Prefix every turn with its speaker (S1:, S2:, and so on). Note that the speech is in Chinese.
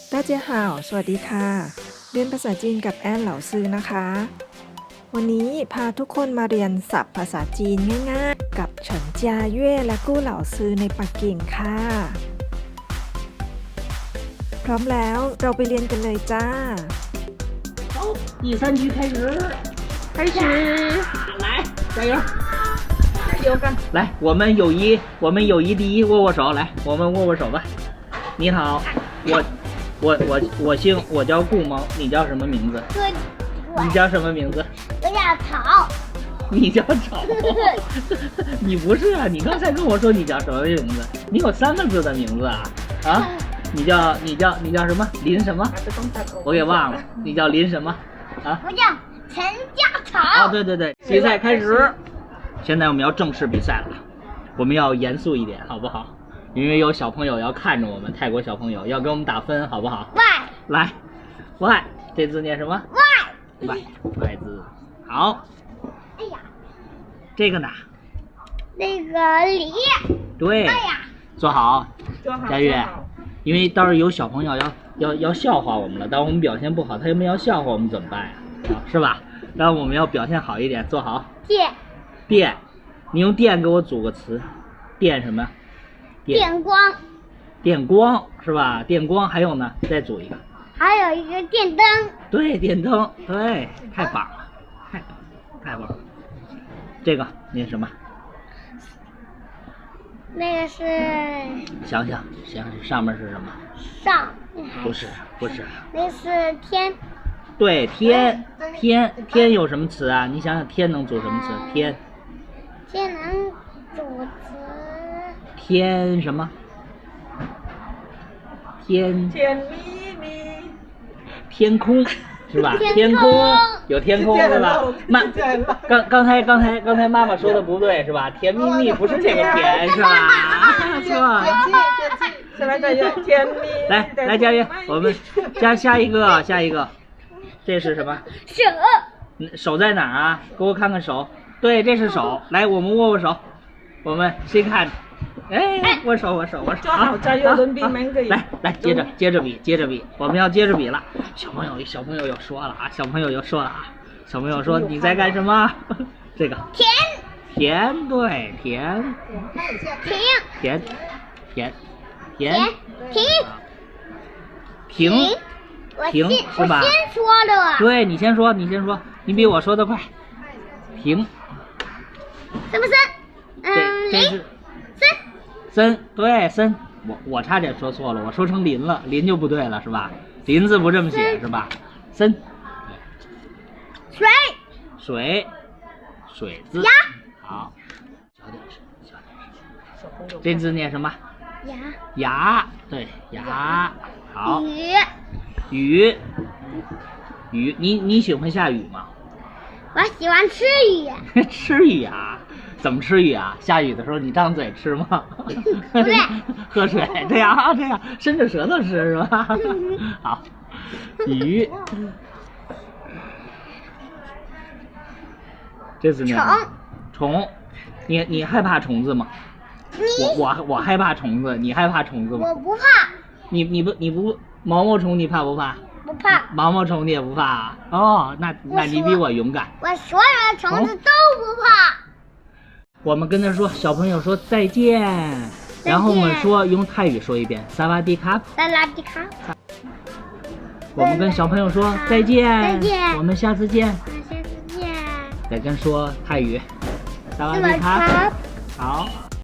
S1: 大家好สวัสดีค่ะเรียนภาษาจีนกับแอนเหล่าซื้อนะคะวันนี้พาทุกคนมาเรียนศัพท์ภาษาจีนง่ายๆกับเฉินจาเย่และกู้เหล่าซื้อในปักกิ่งค่ะพร้อมแล้วเราไปเรียนกันเลยจ้า
S2: 好，第3局开始，来，加油，加油干！来，我们友谊第一，握握手，来，我们握握手吧。你好，我叫顾萌，你叫什么名字？你叫什么名字？
S3: 我叫草。
S2: 你叫草？你不是啊，你刚才跟我说你叫什么名字？你有3个字的名字啊？啊？你叫什么？林什么？我给忘了，你叫林什么？啊？
S3: 我叫陈家草。
S2: 啊，对对对，比赛开始。现在我们要正式比赛了，我们要严肃一点，好不好？因为有小朋友要看着我们，泰国小朋友要给我们打分，好不好？
S3: 外。
S2: 来，外，这字念什么？
S3: 外。
S2: 外字。好。
S3: 哎呀。
S2: 这个呢？
S3: 那个梨。
S2: 对。
S3: 哎呀。
S2: 坐好，佳悦。因为到时候有小朋友要笑话我们了，当我们表现不好，他们要笑话我们怎么办呀？是吧？然后我们要表现好一点，坐好。电，你用电给我组个词，电什么？
S3: 电光。
S2: 电光是吧？电光还有呢，再组一个。
S3: 还有一个电灯。对，
S2: 电灯，对，太棒了，太棒了。这个念什么？
S3: 那个是。
S2: 想想，上面是什么？
S3: 上。
S2: 不是。
S3: 那是天。
S2: 对，天有什么词啊？你想想，天能组什么词？天
S3: 能组词。
S2: 天什么？天空是吧？天空有天空是吧？刚才妈妈说的不对是吧？甜蜜蜜不是这个甜是吧？错。来佳悦，我们下一个，这是什么？手在哪儿啊？给我看看手。对，这是手。来，我们握握手。我们谁看？哎，握手。好，加油，轮比每个人。来，接着比，我们要接着比了。小朋友又说了啊，小朋友说你在干什么？这个甜，对，甜停是吧？
S3: 我先说的。
S2: 对，你先说，你比我说的快。停。
S3: 什么森？
S2: 这是森，对，森。我差点说错了，我说成林了，林就不对了是吧？林字不这么写是吧？森。水字。好，小点声。这字念什么？牙，对，牙。好。雨，你喜欢下雨吗？
S3: 我喜欢吃雨。
S2: 吃雨啊？怎么吃雨啊？下雨的时候你张嘴吃吗？
S3: 不对。
S2: 喝水，这样伸着舌头吃是吧？好，雨。这字念虫。你害怕虫子吗？我害怕虫子，你害怕虫子吗？
S3: 我不怕。
S2: 你不毛毛虫你怕不怕？
S3: 不怕。
S2: 毛毛虫你也不怕啊？哦，那你比我勇敢。
S3: 我所有的虫子都不怕。
S2: 我们跟他说，小朋友说再见，然后我们说用泰语说一遍，萨瓦迪卡。我们跟小朋友说再见，我们下次见。再跟说泰语，萨瓦迪卡。好。